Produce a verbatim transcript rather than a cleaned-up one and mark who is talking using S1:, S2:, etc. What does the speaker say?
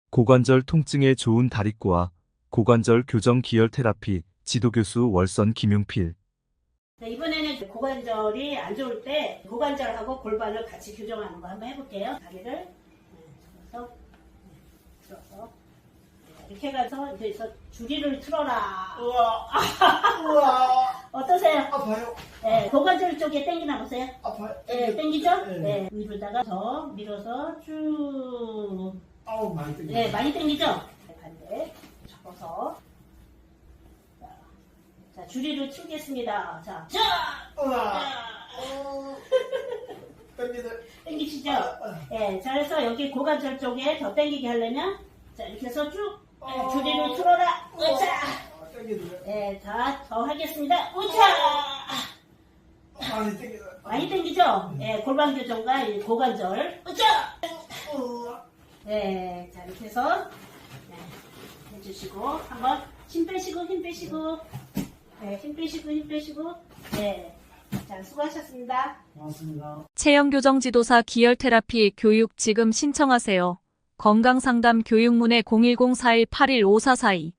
S1: 고관절 통증에 좋은 다리꼬아, 고관절 교정 기열 테라피, 지도교수 월선 김용필.
S2: 네, 이번에는 고관절이 안 좋을 때 고관절하고 골반을 같이 교정하는 거 한번 해볼게요. 다리를 네, 들어서, 네, 들어서 네, 이렇게 해가서 여기서 줄이를 틀어라.
S3: 우와, 우와,
S2: 어떠세요?
S3: 아파요,
S2: 네, 고관절 쪽에 당기나 보세요.
S3: 아파요.
S2: 네, 당기죠?
S3: 네.
S2: 네, 위로다가 더 밀어서 쭉.
S3: 아우, 많이 땡겨.
S2: 네, 많이 당기죠? 네, 반대 접어서. 자, 자, 줄이를 틀겠습니다. 자, 자!
S3: 우와,
S2: 자!
S3: 어, 땡기네.
S2: 당기시죠?
S3: 아,
S2: 예, 자, 그래서 여기 고관절 쪽에 더 당기게 하려면, 자, 이렇게 해서 쭉, 예,
S3: 어.
S2: 줄이를 틀어라! 우차!
S3: 아, 땡기네.
S2: 예, 자, 더 하겠습니다. 우차!
S3: 많이 땡기네.
S2: 많이 당기죠? 예, 골반 교정과 이 고관절. 우차!
S3: 우와,
S2: 예, 자, 이렇게 해서, 네, 해주시고, 한번 힘 빼시고, 힘 빼시고, 네, 힘 빼시고, 힘 빼시고, 네. 자, 수고하셨습니다.
S3: 고맙습니다.
S4: 체형교정 지도사 기열 테라피 교육 지금 신청하세요. 건강상담 교육문의 공일공 사일 팔일 오사사이